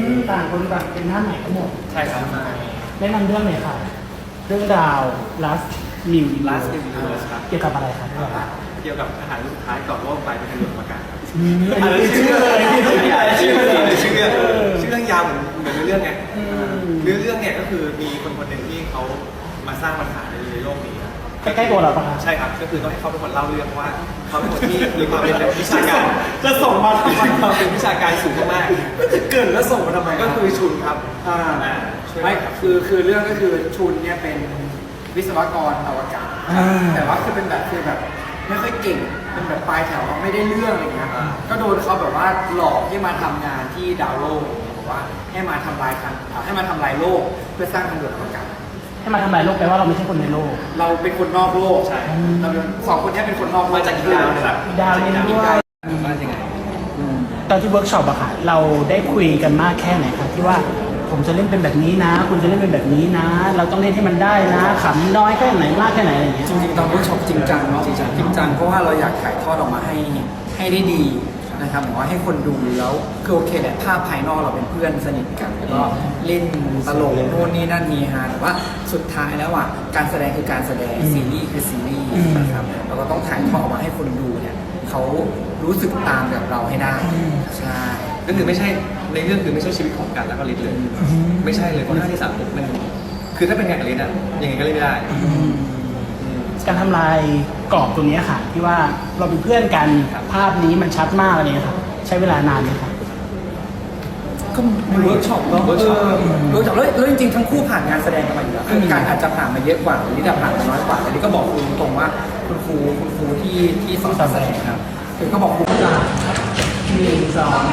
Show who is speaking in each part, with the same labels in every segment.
Speaker 1: ต่างคนต่างเป็นหน้าใหม่ทั้งหมด
Speaker 2: ใช่ครับ
Speaker 1: แนะนำเรื่องหน่อยค่ะเรื่องราว Last New
Speaker 2: Last New Universe ครับ
Speaker 1: เกี่ยวกับอะไรครับ
Speaker 2: เกี่ยวกับอาหารสุดท้ายก่อนโลกไปเป็นทางเลือกอากาศครับ
Speaker 1: ชื่อเลย
Speaker 2: ชื่อเรื่องยาวเหมือนเรื่องไงเรื่องเนี่ยก็คือมีคนหนึ่งที่เขามาสร้างปัญหาในโลกนี้
Speaker 1: ใกล้ๆตัวเราปะครับ
Speaker 2: ใช่ครับก็คือต้องให้เขาเป็นคนเล่าเรื่องว่าเขาเป็นคนที่มีความเป็นวิชาการ
Speaker 1: จะส่งมาทำไม
Speaker 2: ความเป็นวิชาการสูงมาก
Speaker 3: ก็จะเกิดแล้วส่งมาทำไม
Speaker 2: ก็คือชุนครับ
Speaker 3: ไม่คือเรื่องก็คือชุนเนี่ยเป็นวิศวกรอวกาศแต่ว่าคือเป็นแบบไม่ค่อยเก่งเป็นแบบปลายแถวไม่ได้เรื่องอะไรเงี้ยก็โดนเขาแบบว่าหลอกให้มาทำงานที่ดาวโลกบอกว่าให้มาทำลายโลกเพื่อสร้างทางด่วนอวกาศ
Speaker 1: ให้มาทำลายโลกแปลว่าเราไม่ใช่คนในโลก
Speaker 3: เราเป็นคนนอกโลก
Speaker 2: ใช่
Speaker 3: เราสองคนนี้เป็นคนนอก
Speaker 2: มาจากอีกดาวนึงครับ
Speaker 1: ดาวนี้ด้วย
Speaker 2: มาจากไหน
Speaker 1: ตอนที่เวิร์กช็อปอะค่ะเราได้คุยกันมากแค่ไหนครับที่ว่าผมจะเล่นเป็นแบบนี้นะคุณจะเล่นเป็นแบบนี้นะ เราต้องเล่นให้มันได้นะขำน้อยแค่ไหนมากแค่ไหนอะไรอย่างเงี้ย
Speaker 3: จริงๆตอนเวิร์กช็อปจริงจังเนาะจริงจังเพราะว่าเราอยากถ่ายทอดออกมาให้ได้ดีนะครับหมายว่าให้คนดูแล้วคือโอเคแหละภาพภายนอกเราเป็นเพื่อนสนิทกันแล้วก็เล่นตลกโน่นนี่นั่นนี่ฮะแต่ว่าสุดท้ายแล้วอ่ะการแสดงคือการแสดงซีรีส์คือซีรีส์นะครับเราก็ต้องถ่ายทอดออกมาให้คนดูเนี่ยเขารู้สึกตามแบบเราให้ได้ใช่
Speaker 2: ก็คือไม่ใช่ในเรื่องคือไม่ใช่ชีวิตของกันแล้วก็ลิศเลยไม่ใช่เลยเพราะหน้าที่สามมันคือถ้าเป็นงานกับลิศอะยังไงก็เล่นไม่ได้
Speaker 1: การทำลายกรอบตัวนี้ค่ะที่ว่าเราเป็นเพื่อนกันภาพนี้มันชัดมากอะไรเงี้ยครับใช้เวลานานไหมครับ
Speaker 3: ก็เวิร์กช็อปแล้วจริงๆทั้งคู่ผ่านงานแสดงกันมาอยู่แล้วคือการอาจจะผ่านมาเยอะกว่าลิศผ่านมาน้อยกว่าแต่ลิศก็บอกคุณตรงว่าคุณครูที่สอนการแสดงครับคือก็บอกครูว่า1 2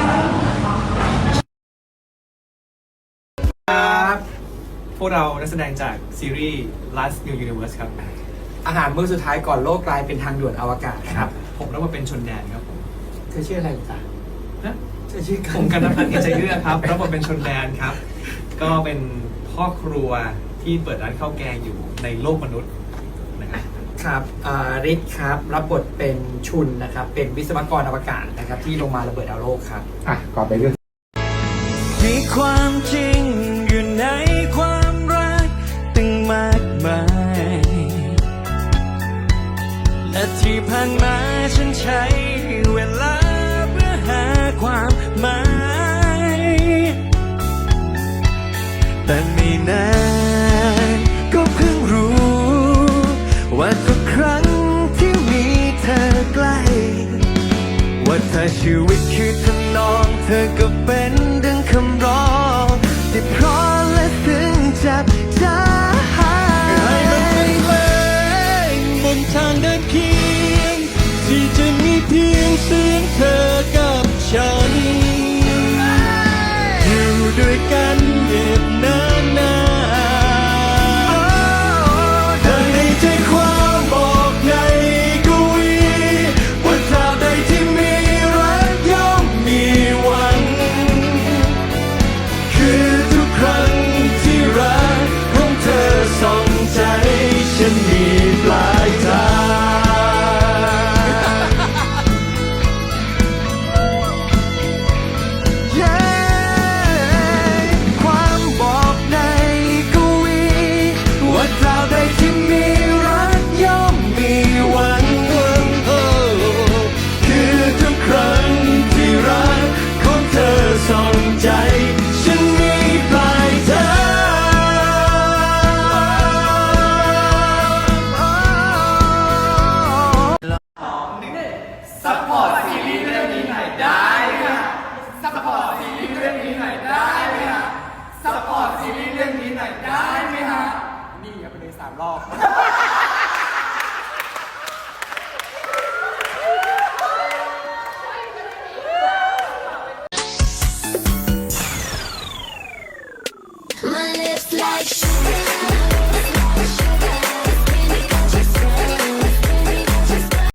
Speaker 2: ครับพวกเรานักแสดงจากซีรีส์ Last New Universe ครับ
Speaker 3: อาหารมื้อสุดท้ายก่อนโลกกลายเป็นทางด่วนอวกาศ
Speaker 2: ครับผมรับมาเป็นชนแดนครับผม
Speaker 3: เธอชื่ออะไรจ๊ะเธอชื่อ
Speaker 2: ผมกันนัพัฒน์เกษเยื่อครับรับมาเป็นชนแดนครับก็เป็นพ่อครัวที่เปิดร้านข้าวแกงอยู่ในโลกมนุษย์นะครับ
Speaker 3: ครับฤทธิ์ครับรับบทเป็นชุนนะครับเป็นวิศวกรอวกาศนะครับที่ลงมาระเบิดดาวโลกครับ
Speaker 1: ก่อนไปเรื่อง
Speaker 4: มีความจริงอยู่ในความรักตั้งมากมายและที่ผ่านมาฉันใช้เวลาเพื่อหาความหมายแต่ไม่นานก็เพิ่งรู้ว่าทุกครั้งที่มีเธอใกล้ว่าถ้าชีวิตคือทำนองเธอก็เป็น